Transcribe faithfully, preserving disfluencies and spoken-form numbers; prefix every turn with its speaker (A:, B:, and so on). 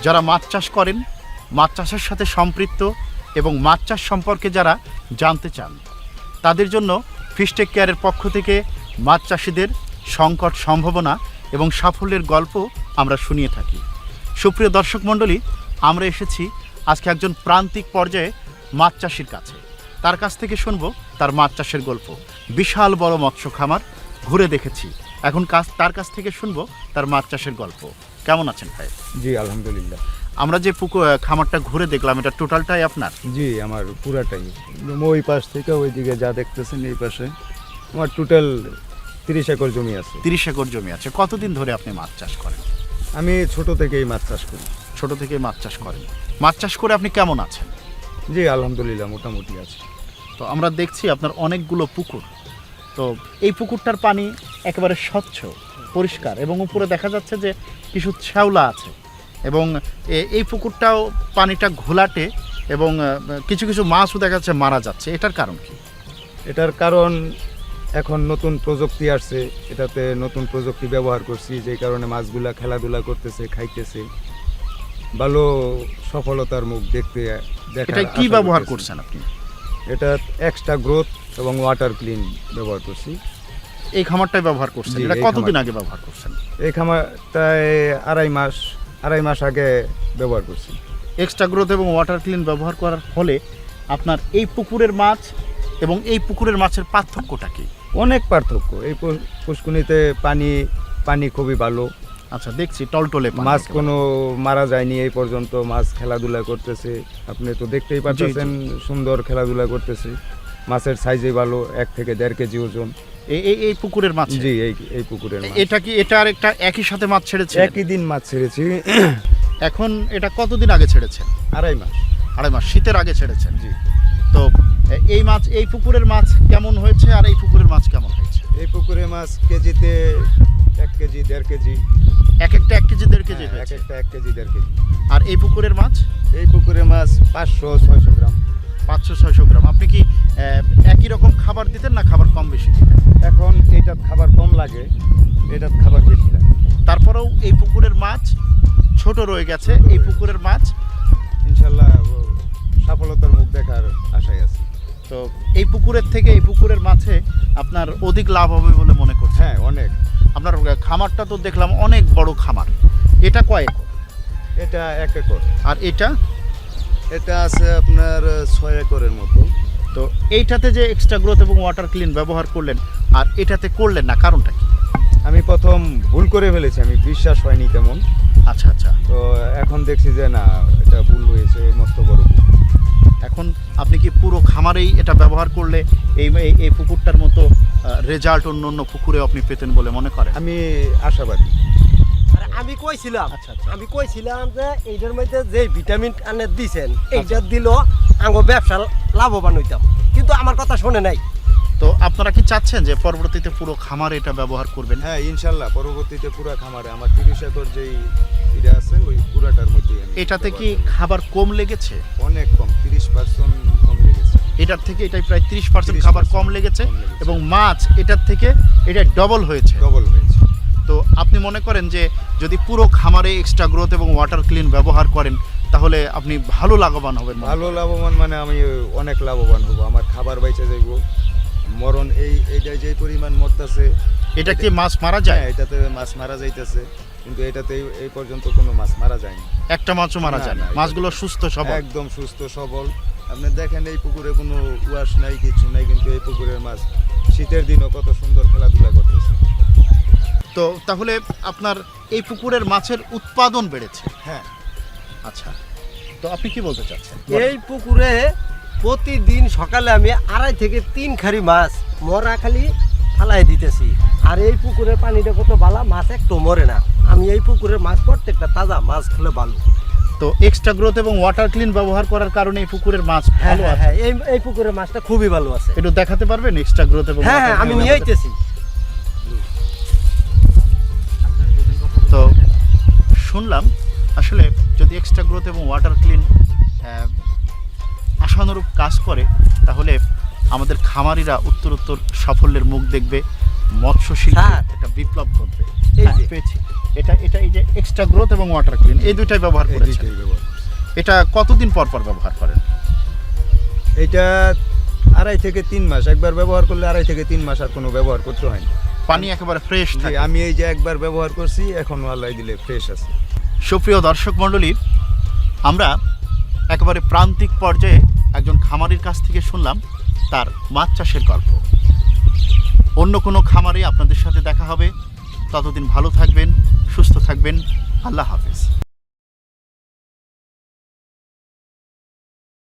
A: যারা মাছ চাষ করেন, মাছ চাষের সাথে সম্পৃক্ত এবং মাছ চাষ সম্পর্কে যারা জানতে চান, তাদের জন্য ফিশটেক কেয়ারের পক্ষ থেকে মাছ চাষিদের সংকট, সম্ভাবনা এবং সাফল্যের গল্প আমরা শুনিয়ে থাকি। সুপ্রিয় দর্শক মণ্ডলী, আমরা এসেছি আজকে একজন প্রান্তিক পর্যায়ে মাছ চাষির কাছে। তার কাছ থেকে শুনবো তার মাছ চাষের গল্প। বিশাল বড় মৎস্য খামার, ঘুরে দেখেছি। এখন কাজ তার কাছ থেকে শুনবো তার মাছ চাষের গল্প। কেমন আছেন ভাই?
B: জি আলহামদুলিল্লাহ।
A: আমরা যে পুকুর খামারটা ঘুরে দেখলাম, এটা টোটালটাই আপনার?
B: জি আমার পুরাটাই, ওই পাশ থেকে ওইদিকে যা দেখতেছেন এই পাশে আমার টোটাল তিরিশ একর জমি আছে।
A: তিরিশ একর জমি আছে। কতদিন ধরে আপনি মাছ চাষ করেন?
B: আমি ছোট থেকেই মাছ চাষ করি।
A: ছোট থেকেই মাছ চাষ করেন। মাছ চাষ করে আপনি কেমন আছেন?
B: জি আলহামদুলিল্লাহ, মোটামুটি আছে।
A: তো আমরা দেখছি আপনার অনেকগুলো পুকুর। তো এই পুকুরটার পানি একেবারে স্বচ্ছ, পরিষ্কার, এবং উপরে দেখা যাচ্ছে যে কিছু শ্যাওলা আছে, এবং এ- এই পুকুরটাও পানিটা ঘোলাটে, এবং আহ, কিছু কিছু মাছও দেখা যাচ্ছে মারা যাচ্ছে। এটার কারণ কি?
B: এটার কারণ এখন নতুন প্রযুক্তি আসছে, এটাতে নতুন প্রযুক্তি ব্যবহার করছি, যে কারণে মাছগুলা খেলাধুলা করতেছে, খাইতেছে, ভালো সফলতার মুখ দেখতে দেখা।
A: এটা কি ব্যবহার করছেন আপনি?
B: এটা এক্সট্রা গ্রোথ এবং ওয়াটার ক্লিন ব্যবহার করছি।
A: এই খামারটাই ব্যবহার করছেন?
B: জি,
A: এটা
B: এই
A: কতদিন
B: খামার-
A: আগে ব্যবহার করছেন?
B: এই খামারটায় আড়াই মাস আড়াই মাস আগে ব্যবহার করছি।
A: এক্সট্রা গ্রোথ এবং ওয়াটার ক্লিন ব্যবহার করার ফলে আপনার এই পুকুরের মাছ এবং এই পুকুরের মাছের পার্থক্যটা কি?
B: অনেক পার্থক্য। এই পু- পুষ্কুনিতে পানি পানি খুবই ভালো।
A: আচ্ছা, দেখছি টলটলে পানি
B: মাছ
A: একেবারে।
B: কোনো মারা যায়নি এই পর্যন্ত। মাছ খেলাধুলা করতেছে, আপনি তো দেখতেই পাচ্ছেন, সুন্দর খেলাধুলা করতেছে। মাছের সাইজে ভালো, এক থেকে দেড় কেজি ওজন।
A: এই এই- এই পুকুরের মাছ?
B: জি এই এই পুকুরের মাছ।
A: এটা কি এটা আর একটা একই সাথে মাছ ছেড়েছে?
B: একই দিন মাছ ছেড়েছি।
A: এখন এটা কতদিন আগে ছেড়েছেন?
B: আড়াই মাস।
A: আড়াই মাস, শীতের আগে ছেড়েছেন।
B: জি।
A: তো এ- এই মাছ, এই পুকুরের মাছ কেমন হয়েছে আর এই পুকুরের মাছ কেমন হয়েছে?
B: এই পুকুরের মাছ কেজিতে এক কেজি দেড় কেজি।
A: এক একটা এক কেজি দেড় কেজি
B: হ্যাঁ, এক
A: হয়েছে।
B: একটা এক কেজি দেড় কেজি।
A: আর এই পুকুরের মাছ?
B: এই পুকুরের মাছ পাঁচশো ছয়শো গ্রাম।
A: পাঁচশো ছয়শো গ্রাম। আপনি কি আহ, একই রকম খাবার দিতেন না খাবার কম বেশি দিতেন?
B: এখন এইটার খাবার কম লাগে, এটার খাবার বেশি লাগে।
A: তারপরেও এই পুকুরের মাছ ছোট রয়ে গেছে। এই পুকুরের মাছ
B: ইনশাল্লাহ ও সফলতার মুখ দেখার আশায় আছে।
A: তো এই পুকুরের থেকে এই পুকুরের মাছে আপনার অধিক লাভ হবে বলে মনে করছেন?
B: হ্যাঁ অনেক।
A: আপনার খামারটা তো দেখলাম অনেক বড় খামার। এটা কয় একর?
B: এটা এক একর।
A: আর এটা?
B: এটা আছে আপনার ছয় একরের মতো।
A: তো এইটাতে যে এক্সট্রা গ্রোথ এবং ওয়াটার ক্লিন ব্যবহার করলেন আর এটাতে করলেন না, কারণটা কি?
B: আমি প্রথম ভুল করে ফেলেছি, আমি বিশ্বাস হয়নি তেমন।
A: আচ্ছা আচ্ছা।
B: তো এখন দেখছি যে না, এটা ভুল হয়েছে, মস্ত বড় ভুল।
A: এখন আপনি কি পুরো খামারেই এটা ব্যবহার করলে এই এই- এই পুকুরটার মতো রেজাল্ট অন্য অন্য পুকুরে আপনি পেতেন বলে মনে করেন?
B: আমি আশাবাদী।
C: আরে আমি কইছিলাম
A: আচ্ছা আচ্ছা।
C: আমি কইছিলাম যে এইটার মধ্যে যে ভিটামিন আনে দিছেন এইটা দিল আঙ্গ ব্যবসা লাভবান হইতাম, কিন্তু আমার কথা শুনে নাই।
A: তো আপনারা কি চাচ্ছেন যে পরবর্তীতে পুরো খামারে এটা ব্যবহার করবেন?
B: হ্যাঁ ইনশাল্লাহ, পরবর্তীতে পুরা খামারে আমার তিরিশ একর যেই এটা আছে ওই পুরাটার মধ্যেই আমি
A: এটাতে কি
B: ব্যবহার করব।
A: খাবার কম লেগেছে?
B: অনেক কম, তিরিশ পার্সেন্ট কম লেগেছে।
A: এটার থেকে এটাই প্রায় তিরিশ পার্সেন্ট
B: ত্রিশ
A: খাবার
B: percent
A: কম লেগেছে,
B: কম লেগেছে।
A: এবং মাছ এটার থেকে এটা ডবল হয়েছে।
B: ডবল হয়েছে।
A: তো আপনি মনে করেন যে যদি পুরো খামারে এক্সট্রা গ্রোথ এবং ওয়াটার ক্লিন ব্যবহার করেন তাহলে আপনি ভালো লাভবান হবেন? মনে
B: ভালো
A: করেন?
B: লাভবান মানে আমি অনেক লাভবান হব, আমার খাবার বাইচে যাইব। মরণ এই এইটা যে পরিমাণ মরতেছে,
A: এটা কি মাছ মারা যায়?
B: হ্যাঁ এটাতে মাছ মারা যাইতেছে, কিন্তু এটাতে এই- এই পর্যন্ত কোনো মাছ মারা যায়নি।
A: একটা মাছও মারা
B: না,
A: যায় না?
B: না, এটা-
A: মাছগুলো সুস্থ সবল?
B: একদম সুস্থ সবল। আপনি দেখেন এই পুকুরে কোনো ওয়াশ নাই, কিছু নাই, কিন্তু এই পুকুরের মাছ শীতের দিনও কত সুন্দর খেলাধুলা করতেছে।
A: তো তাহলে আপনার এই পুকুরের মাছের উৎপাদন বেড়েছে?
B: হ্যাঁ।
A: আচ্ছা, তো আপনি কি বলতে চাচ্ছেন?
C: এই পুকুরে প্রতিদিন সকালে আমি আড়াই থেকে তিন খারি মাছ মরা খালি ফালাই দিতেছি। আর এই পুকুরের পানিটা কত ভালো, মাছ একটু মরে না। আমি এই পুকুরের মাছ প্রত্যেকটা তাজা, মাছ খেলে ভালো।
A: তো এক্সট্রা গ্রোথ এবং ওয়াটার ক্লিন ব্যবহার করার কারণে এই পুকুরের মাছ
C: হ্যাঁ
A: ভালো
C: হ্যাঁ
A: আছে?
C: হ্যাঁ, এই এই পুকুরের মাছটা খুবই ভালো আছে।
A: একটু দেখাতে পারবেন এক্সট্রা গ্রোথ এবং
C: হ্যাঁ হ্যাঁ
A: water
C: আমি
A: clean
C: নিয়ে
A: ব্যবহার?
C: আইতেছি।
A: তো শুনলাম আসলে যদি এক্সট্রা গ্রোথ এবং ওয়াটার ক্লিন আশানুরূপ কাজ করে তাহলে আমাদের খামারিরা উত্তর উত্তর সাফল্যের মুখ দেখবে, মৎস্য শিল্পে
C: স্যার।
A: একটা বিপ্লব ঘটবে।
C: এই
A: হ্যাঁ,
C: যে
A: পেয়েছি। এটা এটা এই যে এক্সট্রা গ্রোথ এবং ওয়াটার ক্লিন এই দুইটাই ব্যবহার
B: এই
A: করেছেন।
B: দুইটাই ব্যবহার করছি।
A: এটা কতদিন পর পর ব্যবহার করেন?
B: এটা আড়াই থেকে তিন মাস একবার ব্যবহার করলে আড়াই থেকে তিন মাস আর কোনো ব্যবহার করতে হয় না।
A: পানি একেবারে ফ্রেশ
B: জি,
A: থাকে।
B: আমি এই যে একবার ব্যবহার করছি এখন আল্লাহ দিলে ফ্রেশ আছে।
A: সুপ্রিয় দর্শক মণ্ডলী, আমরা একেবারে প্রান্তিক পর্যায়ে একজন খামারির কাছ থেকে শুনলাম তার মাছ চাষের গল্প। অন্য কোনো খামারে আপনাদের সাথে দেখা হবে। ততদিন ভালো থাকবেন, সুস্থ থাকবেন। আল্লাহ হাফেজ।